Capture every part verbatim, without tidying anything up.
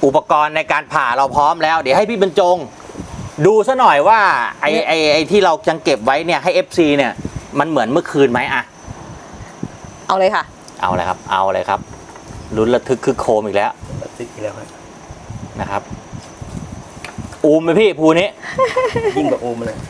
อุปกรณ์ในการผ่าเราพร้อมแล้วเดี๋ยวให้พี่บรรจงดูซะหน่อยว่าไอ้ไอ้ไอ้ที่เรายังเก็บไว้เนี่ยให้ เอฟ ซี เนี่ยมันเหมือนเมื่อคืนไหมอะเอาเลยค่ะเอาเลยครับเอาเลยครับลุ้นระทึกคือโคมอีกแล้วระทึกอีกแล้วนะครับอูมไหมพี่ภูนี้ยิ่งกว่าอูมเลย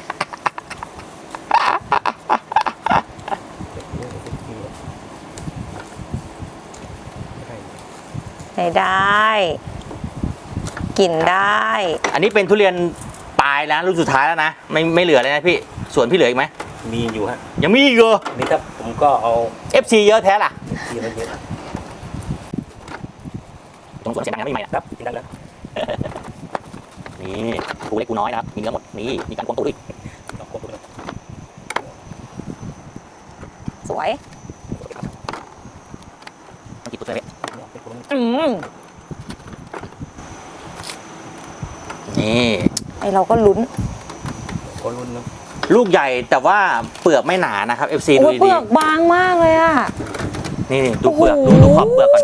ใช้ได้กินได้อันนี้เป็นทุเรียนปลายแล้วรุ่นสุดท้ายแล้วนะไม่ไม่เหลือเลยนะพี่ส่วนพี่เหลืออีกไหมมีอยู่ฮะยังมีอีกเหรอนี่ครับผมก็เอาเอฟ ซี เยอะแท้ล่ะเยอะเยอะตรงส่วนเสียงดังไม่ใหม่นะครับกินได้แล้วนี่กูเล็กกูน้อยนะครับมีเนื้อหมดนี่มีการควงตัวด้วยสวยกี่ตัวเลยอืมนี่ไอเราก็ลุ้นก็ลุ้นนะลูกใหญ่แต่ว่าเปลือกไม่หนานะครับ เอฟ ซี ดูดีเปลือกบางมากเลยอ่ะนี่ดูเปลือกดูดูขอบเปลือกก่อน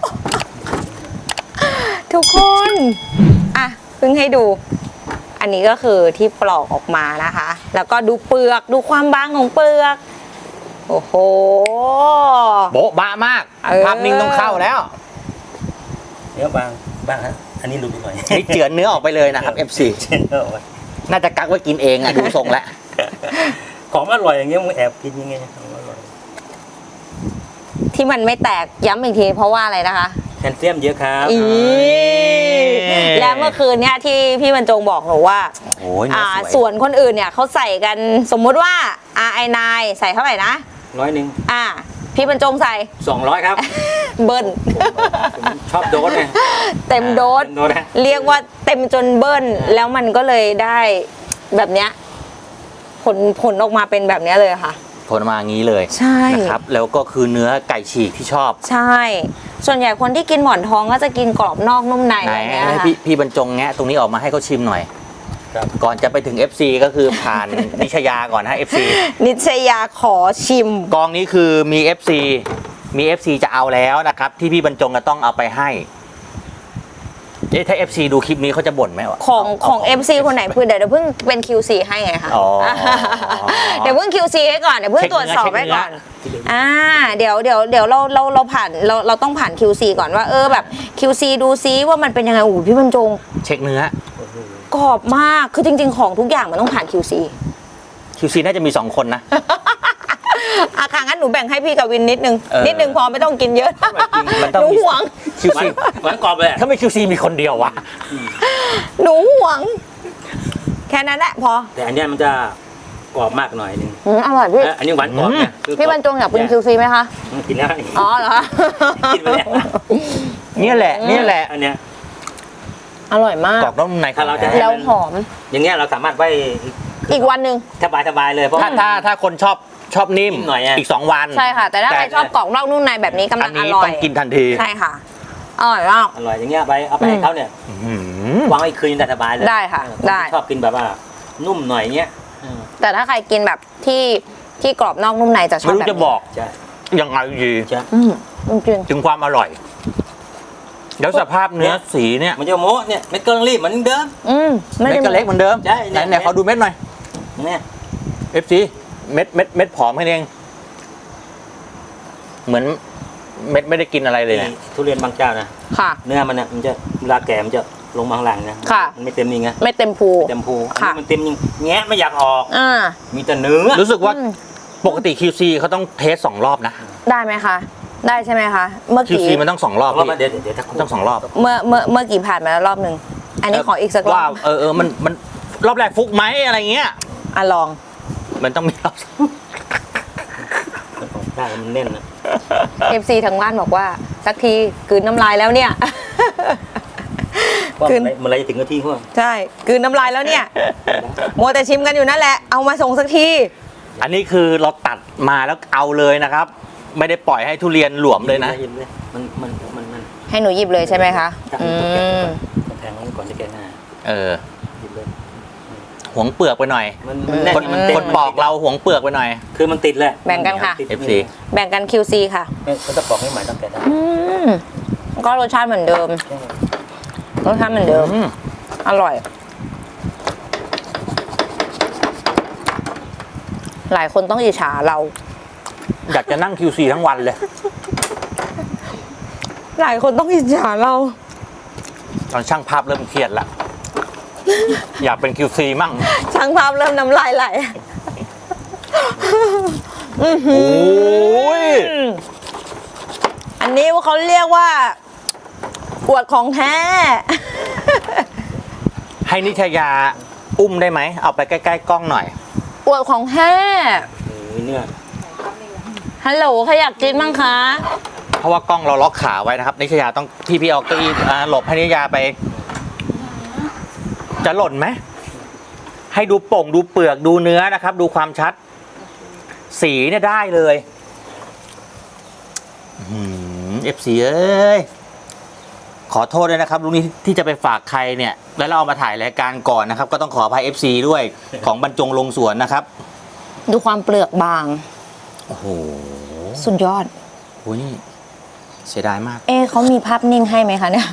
ทุกคนอ่ะเพิ่งให้ดูอันนี้ก็คือที่ปลอกออกมานะคะแล้วก็ดูเปลือกดูความบางของเปลือกโอ้โหโบ๊ะบ้ามากภาพนิ่งต้องเข้าแล้วเนื้อบางบางฮะอันนี้หลุดไปหน่อยนี่เจือนเนื้อออกไปเลยนะครับ เอฟ ซี น่าจะกักไว้กินเองอะดูทรงแล้วของอร่อยอย่างเงี้ยมึงแอบกินยังไงของอร่อยที่มันไม่แตกย้ำอีกทีเพราะว่าอะไรนะคะแคลเซียมเยอะครับอีแล้วเมื่อคืนเนี้ยที่พี่บรรจงบอกหนูว่าส่วนคนอื่นเนี่ยเขาใส่กันสมมุติว่า อาร์ ไอ ไนน์ ใส่เท่าไหร่นะร้อยหนึ่งอ่าพี่บรรจงใส่สองร้อยครับเบิ้ลชอบโดสไงเต็มโดสเรียกว่าเต็มจนเบิ้ลแล้วมันก็เลยได้แบบเนี้ยผลผลออกมาเป็นแบบนี้เลยค่ะผลมาอย่างนี้เลยใช่นะครับแล้วก็คือเนื้อไก่ฉีกที่ชอบใช่ส่วนใหญ่คนที่กินหมอนทองก็จะกินกรอบนอกนุ่มในอะไรเงี้ยให้พี่พี่บรรจงแงะตรงนี้ออกมาให้เขาชิมหน่อยก่อนจะไปถึง เอฟ ซี ก็คือผ่านนิชยาก่อนนะ เอฟ ซีนิชยาขอชิมกองนี้คือมี เอฟ ซี มี เอฟ ซี จะเอาแล้วนะครับที่พี่บรรจงจะต้องเอาไปให้เอ๊ะถ้า เอฟ ซี ดูคลิปนี้เขาจะบ่นไหมวะของของ เอฟ ซี คนไหนคือเดี๋ยวเพิ่งเป็น คิว ซี ให้ไงคะเดี๋ยวเพิ่ง คิว ซี ให้ก่อนเดี๋ยวเพิ่งตรวจสอบให้ก่อนอ่าเดี๋ยวเดี๋ยวเดี๋ยวเราเราเราผ่านเราเราต้องผ่าน คิว ซี ก่อนว่าเออแบบ คิว ซี ดูซิว่ามันเป็นยังไงโอ้พี่บรรจงเช็คเนื้อกรอบมากคือจริงๆของทุกอย่างมันต้องผ่าน คิว ซีคิว ซี น่าจะมีสองคนนะอาคางั้นหนูแบ่งให้พี่กับวินนิดนึงนิดนึงพอไม่ต้องกินเยอะหนูหวงคิว ซีหวานกรอบเลยถ้าไม่ คิว ซี มีคนเดียววะหนูหวงแค่นั้นแหละพอแต่อันนี้มันจะกรอบมากหน่อยนึงอร่อยพี่อันนี้หวานกรอบเนี่ยพี่บรรจงอยากเป็น คิว ซี ไหมคะกินแล้วอ๋อเหรอกินไปแล้วนี่แหละนี่แหละอันเนี้ยอร่อยมากกรอบนอกในถ้าเราจะแล้วหอมอย่างเงี้ยเราสามารถไว้อีกวันหนึ่งสบายสบายเลยเพราะถ้าถ้าถ้าคนชอบชอบนิ่มหน่อยอีกสองวันใช่ค่ะแต่ถ้าใครชอบกรอบนอกนุ่มในแบบนี้กำลังอร่อยต้องกินทันทีใช่ค่ะอร่อยมากอร่อยอย่างเงี้ยไปเอาไปให้เขาเนี่ยวางไว้คืนได้สบายเลยได้ค่ะได้ชอบกินแบบว่านุ่มหน่อยเงี้ยแต่ถ้าใครกินแบบที่ที่กรอบนอกนุ่มในจะชอบแบบไม่รู้จะบอกยังไงดีจริงถึงความอร่อยแล้วสภาพเนื้อสีเนี่ยมันจะโม้เนี่ยเม็ดก็รีบเหมือนเดิมอืมเม็ดก็เล็กเหมือนเดิมใช่ไหนไหนขอดูเม็ดหน่อยเนี่ยเอฟ ซี เม็ดเม็ดเม็ดผอมแค่นี้เองเหมือนเม็ดไม่ได้กินอะไรเลยนะทุเรียนบางเจ้านะค่ะเนื้อมันเนี่ยมันจะเวลาแก่มันจะลงบางหลังนะค่ะมันไม่เต็มนี่ไงไม่เต็มภูเต็มภูมันเต็มยิงแงะไม่อยากออกอ่ามีแต่เนื้อรู้สึกว่าปกติ คิว ซี เขาต้องเทสสองรอบนะได้ไหมคะได้ใช่ไหมคะเมื่อกี้คิว ซี มันต้องสองรอบเดี๋ยวเดี๋ยวต้องสองรอบเมื่อเมื่อเมื่อกี้ผ่านมาแล้วรอบหนึ่งอันนี้ขออีกสักรอบว่าเออเออมันมันรอบแรกฟุกไหมอะไรเงี้ยอ่ะลองมันต้องมีรอบได้มันแน่นนะเอฟ ซี ทางบ้านบอกว่าสักทีกลืนน้ำลายแล้วเนี่ยกลืนมันอะไรจะถึงนาทีพวกใช่กลืนน้ำลายแล้วเนี่ยมัวแต่ชิมกันอยู่นั่นแหละเอามาส่งสักทีอันนี้คือเราตัดมาแล้วเอาเลยนะครับไม่ได้ปล่อยให้ทุเรียนหลวมเลยนะมันมันมันมันให้หนูหยิบเลยใช่ไหมคะอืมแทงก่อนจะแกะหน้าเออหวงเปลือกไปหน่อยคนคนปอกเราหวงเปลือกไปหน่อยคือมันติดแหละแบ่งกันค่ะเอฟ ซีแบ่งกัน คิว ซี ค่ะเขาจะปอกให้ใหม่ต้องแกะได้ก็รสชาติเหมือนเดิมรสชาติเหมือนเดิมอืมอร่อย หลายคนต้องอิจฉาเราอยากจะนั่ง คิว ซี ทั้งวันเลยหลายคนต้องอิจฉาเราตอนช่างภาพเริ่มเครียดละ อยากเป็น คิว ซี มั่งช่างภาพเริ่มน้ำลายไหลโอ้ยอันนี้เขาเรียกว่าอวดของแท้ให้นิชยาอุ้มได้ไหม เอาไปใกล้ๆกล้องหน่อยอวดของแท้เออเนี่ยฮัลโหลใครอยากกินบ้างคะเพราะว่ากล้องเราล็อกขาไว้นะครับ นิชยาต้องพี่พี่เอาเก้าอี้อ่าหลบให้นิชยาไป จะหล่นไหม ให้ดูโป่งดูเปลือกดูเนื้อนะครับ ดูความชัด สีเนี่ยได้เลยเอฟซีเอ้ย ขอโทษด้วยนะครับลุงนี้ที่จะไปฝากใครเนี่ย แล้วเราเอามาถ่ายรายการก่อนนะครับ ก็ต้องขออภัย เอฟ ซี ด้วยของบรรจงลงสวนนะครับดูความเปลือกบางโอ้โหสุดยอดโอ้ยนี่เสียดายมากเอ๊ะเขามีภาพนิ่งให้ไหมคะเนี่ย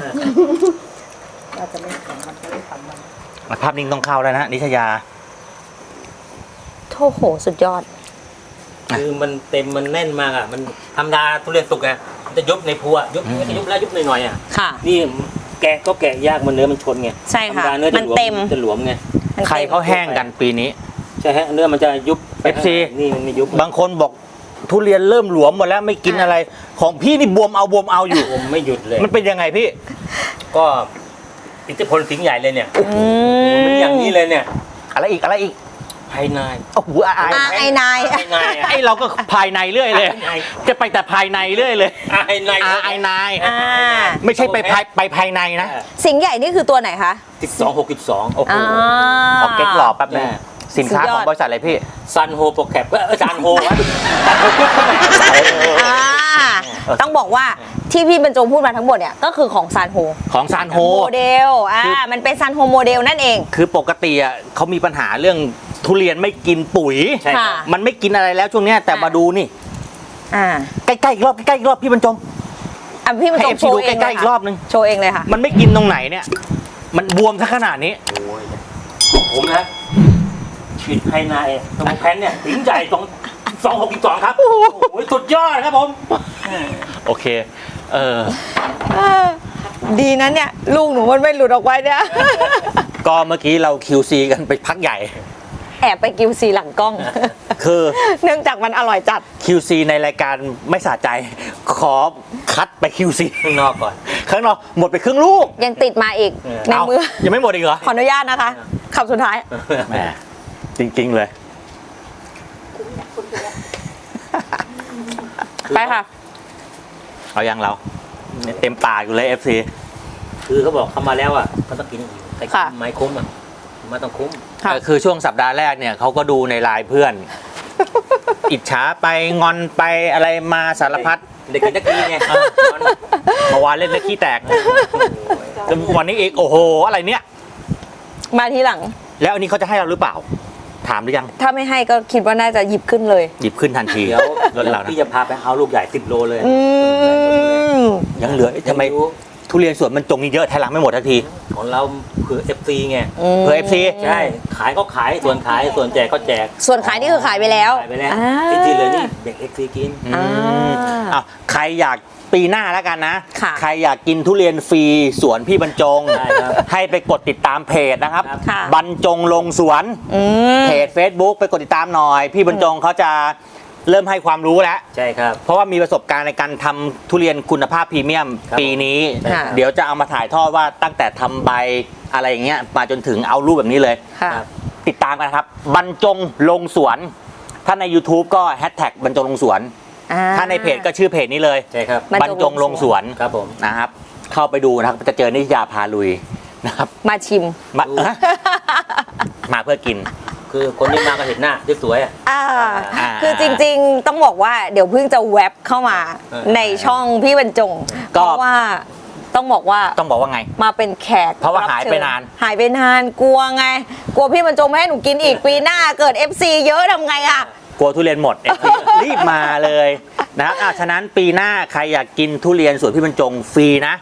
ภาพนิ่งต้องเข้าแล้วนะนิชยาโอ้โห สุดยอดคือมันเต็มมันแน่นมากอ่ะมันธรรมดาทุเรียนสุกอ่ะมันจะยุบในพัวยุบอืมยุบแล้วยุบหน่อยๆอ่ะค่ะนี่แกะก็แกะยากมันเนื้อมันชนไงใช่ค่ะธรรมดาเนื้อจะมันหลวมเต็มจะหลวมไงมันใครต็มเขาแห้งกันปีนี้ใช่ฮะเนื้อมันจะยุบไปเอฟซีนี่มันไม่ยุบบางคนบอกทุเรียนเริ่มหลวมหมดแล้วไม่กินอะไร ของพี่นี่บวมเอาบวมเอาอยู่ผมไม่หยุดเลยมันเป็นยังไงพี่ก็อิทธิพลสิงห์ใหญ่เลยเนี่ยอืมันอย่างนี้เลยเนี่ยอะไรอีกอะไรอีกภายในโอ้โหอายอ่าไอ้นายภายในอ่ะไอเราก็ภายในเรื่อยเลยภายในจะไปแต่ภายในเรื่อยเลยภายในอาไอนายอ่าไม่ใช่ไปภายไปภายในนะสิงห์ใหญ่นี่คือตัวไหนคะสิบสองหกสิบสองโอ้โหอ่าขอเก๊กหล่อแป๊บนึงแม่สินค้าสุดยขออดงบริษัทอะไรพี่ซันโฮโปรแคปเออซันโฮวะซันโฮกรุ๊ปอ่าต้องบอกว่าที่พี่บรรจงพูดมาทั้งหมดเนี่ยก็คือของซานโฮของซานโฮโมเดล อ่าคือมันเป็นซานโฮโมเดลนั่นเองคือปกติอ่ะเขามีปัญหาเรื่องทุเรียนไม่กินปุ๋ยใช่ครับค่ะมันไม่กินอะไรแล้วช่วงเนี้ยแต่อ่ะมาดูนี่อ่าใกล้ๆอีกรอบใกล้ๆอีกรอบพี่บรรจงอ่ะพี่บรรจให้ง FC โชว์ดูเองใกล้เลยๆอีกรอบนึงโชว์เองเลยค่ะมันไม่กินตรงไหนเนี่ย มันบวมซะขนาดนี้ผมนะฉีดภายในตรงแผ่นเนี่ยถึงใจตรงสองหกสิบสองครับ โอ้โหสุดยอดครับผมโอเค เออดีนะเนี่ย ลูกหนูมันไม่หลุดออกไปเนี่ยก็เมื่อกี้เรา คิว ซี กันไปพักใหญ่แอบไปกิวซีหลังกล้องคือเนื่องจากมันอร่อยจัดคิว ซี ในรายการไม่สะใจ ขอคัดไป คิว ซีข้างนอกก่อนข้างนอกหมดไปครึ่งลูกยังติดมาอีกเออในเอ้ามือยังไม่หมดอีกเหรอขออนุญาตนะคะคำสุดท้ายแหมจริง ๆ เลยไปค่ะเอายังเราเนี่ยเต็มปากอยู่เลย เอฟ ซีคือเขาบอกเขามาแล้วอ่ะเขาต้องกินอีกแต่ค่ะไม่คุ้มอ่ะไมาต้องคุ้มค่ะคือช่วงสัปดาห์แรกเนี่ยเขาก็ดูในไลน์เพื่อน อิจฉาไปงอนไปอะไรมาสารพัดเด็กกินตะกี้ไงเออ เมื่อวานเล่นนักขี้แตกวันนี้อีกโอ้โหอะไรเนี่ยมาทีหลังแล้วอันนี้เขาจะให้เราหรือเปล่า ถามหรือยังถ้าไม่ให้ก็คิดว่าน่าจะหยิบขึ้นเลยหยิบขึ้นทันทีเดี๋ยวรถเดี๋ยวเรานะพี่จะพาไปเอาลูกใหญ่สิบโลเลยอืมยังเหลือเอ๊ะทำไมทุเรียนสวนมันจงนี่เยอะแทนหลังไม่หมดทันทีของเราเผื่อเอฟซีไงเผื่อ เอฟ ซีใช่ ขายก็ขาย ส่วนขาย ส่วนแจกก็แจกส่วนขายนี่คือขายไปแล้วขายไปแล้วอ่าจริงๆเลยนี่เด็กเอฟซีกินอืมอ่าอ้าวใครอยากปีหน้าแล้วกันนะค่ะใครอยากกินทุเรียนฟรีสวนพี่บรรจงได้ครับให้ไปกดติดตามเพจนะครับครับค่ะบรรจงลงสวนอืมเพจ Facebook ไปกดติดตามหน่อย พี่บรรจงเขาจะเริ่มให้ความรู้แล้วใช่ครับเพราะว่ามีประสบการณ์ในการทำทุเรียนคุณภาพพรีเมียมครับปีนี้ค่ะเดี๋ยวจะเอามาถ่ายทอดว่าตั้งแต่ทำใบอะไรอย่างเงี้ยมาจนถึงเอารูปแบบนี้เลยค่ะครับติดตามกันครับ บรรจงลงสวน ถ้าใน YouTube ก็แฮชแท็กบรรจงลงสวนอ่ถ้าในเพจก็ชื่อเพจนี้เลยใช่ครับบรรจงลงสวนครับผมนะครับ เข้าไปดูนะครับ จะเจอนิยาพาลุยนะครับมาชิมมาเอ้อมาเพื่อกินคือคนที่มาก็เห็นหน้าสวยๆอ่ะอ่าอ่าคือจริงๆ ต้องบอกว่าเดี๋ยวเพิ่งจะแวบเข้ามาเออในช่องพี่บรรจงก็เพราะว่าต้องบอกว่าต้องบอกว่าไงมาเป็นแขกเพราะว่าบหายชิญไปนานหายไปนานกลัวไง กลัวพี่บรรจงไม่ให้หนูกินอีกปีหน้าเกิด เอฟ ซี เยอะทำไงอ่ะกลัวทุเรียนหมด รีบมาเลยนะครับอ่ะฉะนั้นปีหน้าใครอยากกินทุเรียนสวนพี่บรรจงฟรีนะ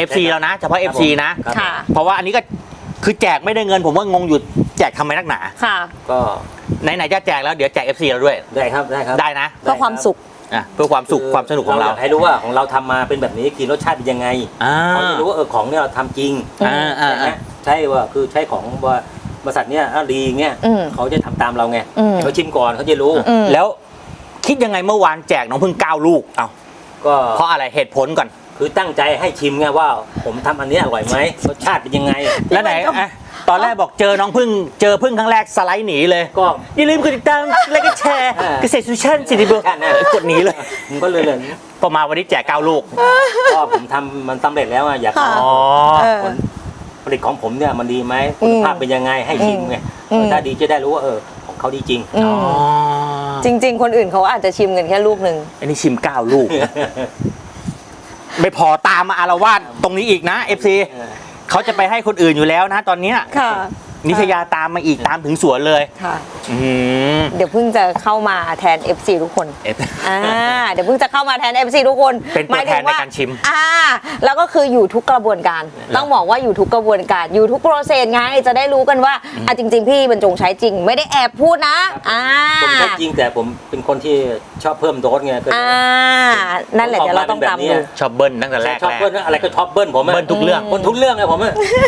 เอฟซีแล้วนะเฉพาะ เอฟซี นะครับค่ะเพราะว่าอันนี้ก็คือแจกไม่ได้เงินผมว่างงอยู่แจกทำไมนักหนาค่ะก็ไหนๆจะแจกแล้วเดี๋ยวแจก เอฟซี เราด้วยได้ครับได้ครับได้นะเพื่อความสุขอ่ะเพื่อความสุขความสนุกของเรายให้รู้ว่าของเราทำมาเป็นแบบนี้กินรสชาติเป็นยังไงอ่าเขาจะรู้ว่าเออของเนี่ยเราทำจริงอ่าอ่าใช่ไหมอ่าใช่ว่าคือใช่ของว่าบริษัทเนี่ยอ่ะดีเงี้ยอืมเขาจะทำตามเราไงอืมเขาชิมก่อนเขาจะรู้อืมแล้วคิดยังไงเมื่อวานแจกน้องพึ่งเก้าลูกเอาก็เพราะอะไรเหตุผลก่อนคือตั้งใจให้ชิมไงว่า ผมทำอันนี้อร่อยไหมรสชาติเป็นยังไงแล้วไหนอ่ะตอนแรกบอกเจอน้องพึ่งเจอพึ่งครั้งแรกสไลด์หนีเลยก็อย่าลืมกดติดตามและก็แชร์อ่าเกษตรซูชั่นสิริบุตรแค่นั้นกดหนีเลยผมก็เลยเลยพอมาวันนี้แจกเก้าลูกก็ผมทำมันสำเร็จแล้วอะอยากค่ะเอาอ๋อเออผลผลิตของผมเนี่ยมันดีไหมอืคุณมภาพเป็นยังไงให้ชิมไงอืมถ้าดีจะได้รู้ว่าเออของเขาดีจริงอือ๋อมจริง ๆ คนอื่นเขาอาจจะชิมกันแค่ลูกหนึ่งอันนี้ชิมเก้าลูก ไม่พอตามมาอารวาสตรงนี้อีกนะ เอฟ ซี เขาจะไปให้คนอื่นอยู่แล้วนะตอนเนี้ยค่ะนิชยาตามมาอีกตามถึงสวนเลยค่ะอืมเดี๋ยวเพิ่งจะเข้ามาแทน เอฟ ซี ทุกคนเอฟอ่า เดี๋ยวเพิ่งจะเข้ามาแทน เอฟ ซี ทุกคนเป็นตัวแทนในการชิมอ่า แล้วก็คืออยู่ทุกกระบวนการ ต้องบอกว่าอยู่ทุกกระบวนการ อยู่ทุกโปรเซสไง จะได้รู้กันว่า อ่ะจริง ๆ พี่บรรจงใช้จริง ไม่ได้แอบพูดนะ อ่าผมใช้จริงแต่ผมเป็นคนที่ชอบเพิ่มโดสไงก็เลยอ่า นั่นแหละเดี๋ยวเราต้องตามดูชอบเบิ้ลตั้งแต่แรกชอบแรกเบิ้ลอะไรก็ชอบเบิ้ลผมอะเบิ้ลทุกเรื่องเบิ้ลทุกเรื่องเลยผมอะ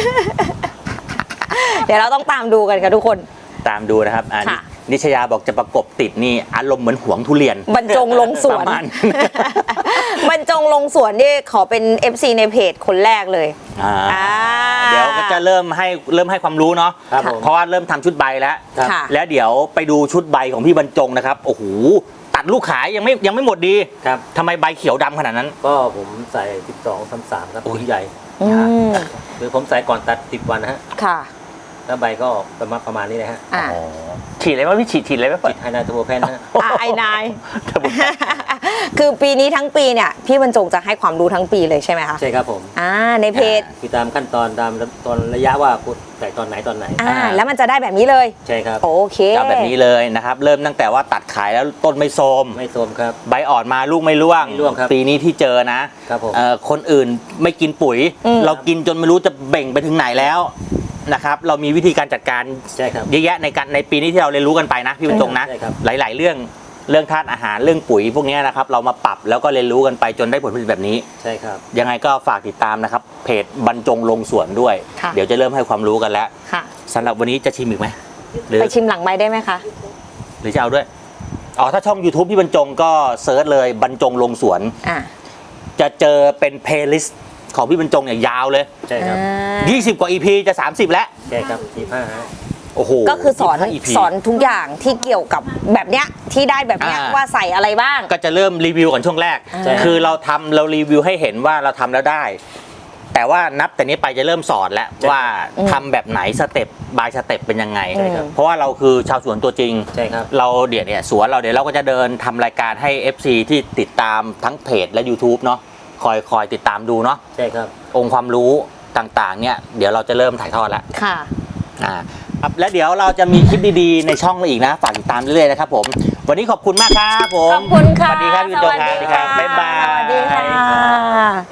เดี๋ยวเราต้องตามดูกันค่ะทุกคนตามดูนะครับอันนี้ค่ะนิชยาบอกจะประกบติดนี่อารมณ์เหมือนหวงทุเรียนบรรจงลงสวนประมาณบรรจงลงสวนนี่ขอเป็น เอฟ ซี ในเพจคนแรกเลยอ่าอ่าเดี๋ยวก็จะเริ่มให้เริ่มให้ความรู้เนาะครับผมเพราะว่าเริ่มทำชุดใบแล้วครับค่ะแล้วเดี๋ยวไปดูชุดใบของพี่บรรจงนะครับโอ้โหตัดลูกขายยังไม่ยังไม่หมดดีครับทำไมใบเขียวดำขนาดนั้นก็ผมใส่สิบสอง สามสามครับโอ้ยถุงใหญ่อืมคือผมใส่ก่อนตัดสิบวันนะฮะค่ะแล้วใบก็ประมาณประมาณนี้นะฮะอ่าอ๋อฉีดอะไรวะพี่ฉีดฉีดอะไรไหมเปิติดดไฮนาโทรแพนนะฮะอ่าไอนาย คือปีนี้ทั้งปีเนี่ย พี่บรรจงจะให้ความรู้ทั้งปีเลยใช่ไหมคะใช่ครับผมอ่า ในเพจคือตามขั้นตอนตามตอนระยะว่าคุณใส่ตอนไหนตอนไหนอ่า แล้วมันจะได้แบบนี้เลยใช่ครับโอเคจะเอาแบบนี้เลยนะครับ เริ่มตั้งแต่ว่าตัดขายแล้วต้นไม่โทรมไม่โทรมครับใบอ่อนมาลูกไม่ร่วงไม่ร่วงครับปีนี้ที่เจอนะครับผมเอ่อคนอื่นไม่กินปุ๋ยอืมเรากินจนไม่รู้จะเบ่งไปถึงไหนแล้วนะครับ เรามีวิธีการจัดการใช่ครับเยอะแยะในการในปีนี้ที่เราเรียนรู้กันไปนะพี่บรรจงนะใช่ครับหลาย ๆ เรื่องเรื่องธาตุอาหารเรื่องปุ๋ยพวกนี้นะครับ เรามาปรับแล้วก็เรียนรู้กันไปจนได้ผลผลิตแบบนี้ใช่ครับยังไงก็ฝากติดตามนะครับ เพจบรรจงลงสวนด้วยค่ะเดี๋ยวจะเริ่มให้ความรู้กันแล้วค่ะสำหรับวันนี้จะชิมอีกไหมหรือไปชิมหลังไม้ได้ไหมคะหรือจะเอาด้วยอ๋อถ้าช่อง YouTube พี่บรรจงก็เซิร์ชเลยบรรจงลงสวนอ่าจะเจอเป็นเพลย์ลิสต์ของพี่บรรจงเนี่ยยาวเลยใช่ครับยี่สิบ กว่า อี พี จะ สามสิบ แล้วใช่ครับยี่ห้าฮะโอ้โหก็คือสอนยี่สิบห้า อี พีสอนทุกอย่างที่เกี่ยวกับแบบเนี้ยที่ได้แบบเนี้ยอ่าว่าใส่อะไรบ้างก็จะเริ่มรีวิวก่อนช่วงแรกใช่คือเราทำเรารีวิวให้เห็นว่าเราทำแล้วได้ แต่ว่านับแต่นี้ไปจะเริ่มสอนแล้วว่าทำแบบไหนสเต็ปบายสเต็ปเป็นยังไงใช่ครับเพราะว่าเราคือชาวสวนตัวจริงใช่ครับเราเดี๋ยวเนี่ยสวนเราเดี๋ยวเราก็จะเดินทำรายการให้ เอฟ ซี ที่ติดตามทั้งเพจและ YouTube เนาะคอยคอยติดตามดูเนาะใช่ครับองค์ความรู้ต่างๆเนี่ยเดี๋ยวเราจะเริ่มถ่ายทอดแล้วค่ะอ่าครับและเดี๋ยวเราจะมีคลิปดีๆในช่องเราอีกนะ ฝากติดตามเรื่อยๆนะครับผม วันนี้ขอบคุณมากครับผมขอบคุณค่ะสวัสดีครับพี่บรรจงครับสวัสดีครับบ๊ายบายสวัสดีค่ะ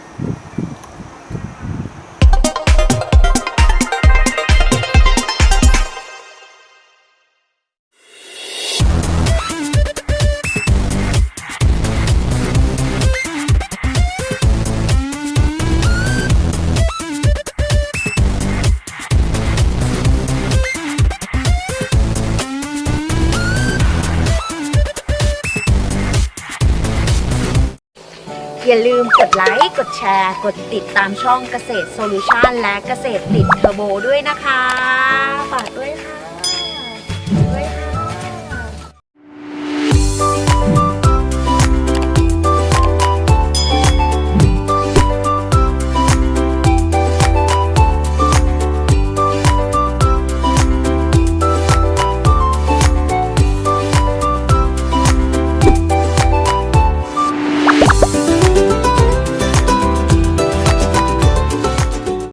อย่าลืมกดไลค์ กดแชร์ กดติดตามช่องเกษตรโซลูชันและเกษตรติดเทอร์โบด้วยนะคะ ฝากด้วยค่ะ